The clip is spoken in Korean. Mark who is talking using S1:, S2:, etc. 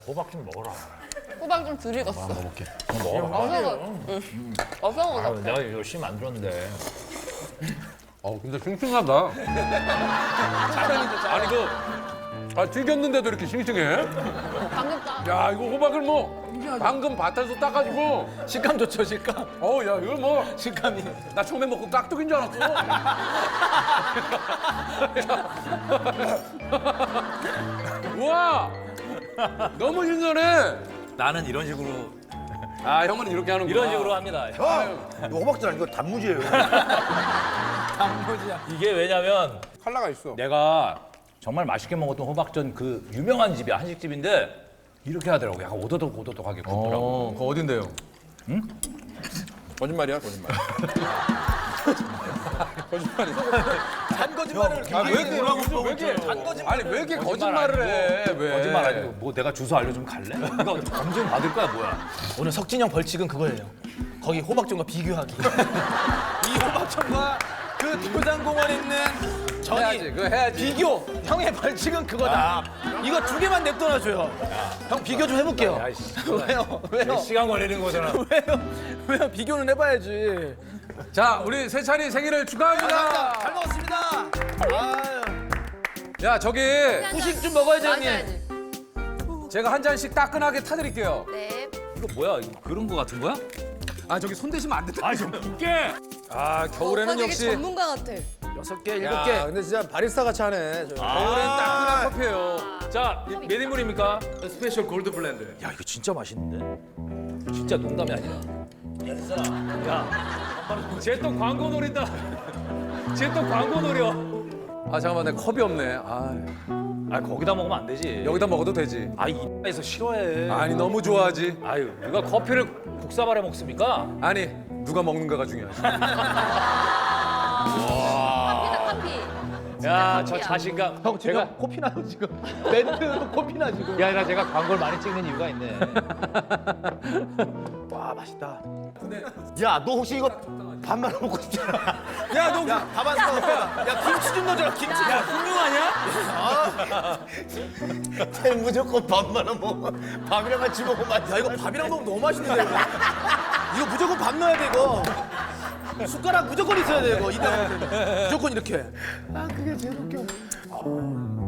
S1: 호박 좀 먹어라.
S2: 호박 좀 덜 익었어.
S3: 먹어볼게.
S1: 먹어라.
S2: 어서
S1: 아,
S2: 오자.
S1: 내가 열심히 만들었는데.
S3: 근데 싱싱하다. 아니 튀겼는데도 이렇게 싱싱해?
S2: 방금 딱.
S3: 야 이거 호박을 뭐 방금 밭에서 따가지고.
S4: 식감 좋죠, 식감.
S3: 야 이거 뭐.
S4: 식감이.
S3: 나 처음에 먹고 깍두기인 줄 알았어. 우와! 너무 신선해.
S4: 나는 이런 식으로
S3: 아 형은 이렇게 하는구나.
S4: 이런 식으로 합니다.
S5: 형! 이거 호박전 아니고 단무지예요.
S4: 단무지야.
S1: 이게 왜냐면
S3: 칼라가 있어.
S1: 내가 정말 맛있게 먹었던 호박전 그 유명한 집이야. 한식집인데 이렇게 하더라고. 약간 오도독오도독하게 굽더라고.
S3: 그거 어딘데요? 응? 거짓말이야 거짓말. 거짓말이야.
S4: 단 거짓말을
S3: 왜 이렇게
S4: 왜 이렇게 단 거짓말?
S3: 아니 왜 이렇게 거짓말을 해? 왜?
S1: 거짓말 아니고 뭐 내가 주소 알려주면 갈래? 이거 검증 받을 거야 뭐야?
S4: 오늘 석진형 벌칙은 그거예요. 거기 호박전과 비교하기. 이 호박전과 그 도장공원에 있는 전이
S3: 해야지, 그거 해야지.
S4: 비교. 형의 벌칙은 그거다. 이거 두 개만 냅둬놔줘요. 형 비교 좀 해볼게요.
S1: 야, 씨.
S4: 왜요? 왜요?
S1: 시간 걸리는 거잖아.
S4: 왜요? 비교는 해봐야지.
S3: 자 우리 세찬이 생일을 축하합니다.
S4: 잘 먹었습니다. 아유.
S3: 야 저기
S4: 후식 좀 먹어야지 형님.
S2: 맞아야지.
S3: 제가 한 잔씩 따끈하게 타드릴게요.
S2: 네.
S1: 이거 뭐야? 이거 그런 거 같은 거야?
S3: 아 저기 손 대시면 안 된다.
S1: 아좀 웃게.
S3: 아 겨울에는
S2: 되게
S3: 역시.
S2: 전문가 같아.
S4: 6개,
S3: 야,
S4: 7개.
S5: 근데 진짜 바리스타 같이 하네.
S3: 겨울엔 따끈한 커피예요.
S1: 자, 몇 인분입니까?
S3: 스페셜 골드 블렌드.
S1: 야, 이거 진짜 맛있는데? 진짜 농담이 아니라. 야, 쟤 또 광고 노린다. 쟤 또 광고 노려.
S3: 아 잠깐만 내 컵이 없네.
S1: 아, 거기다 먹으면 안 되지.
S3: 여기다 먹어도 되지.
S1: 아, 이에서 싫어해.
S3: 아니 너무 좋아하지.
S1: 아유, 누가 커피를 국사발에 먹습니까?
S3: 아니 누가 먹는가가 중요하지.
S2: 커피다 커피.
S1: 야, 저
S2: 커피야.
S1: 자신감.
S4: 형 지금 코피 나요 지금. 멘트도 코피 나 지금.
S1: 야, 나 제가 광고를 많이 찍는 이유가 있네.
S4: 와 맛있다.
S5: 야, 너 혹시 이거 밥만 먹고 싶잖아.
S4: 야 너 밥안 써. 야 김치 좀 넣어줘라 김치. 야 훌륭 아니야?
S5: 쟤 무조건 밥만 먹어. 밥이랑 같이 먹으면 맛있어.
S4: 야 이거 밥이랑 먹으면 너무 맛있는데 이거. 이거 무조건 밥 넣어야 돼 이거. 숟가락 무조건 있어야 돼 이거. 이따 먹을 때 무조건 이렇게.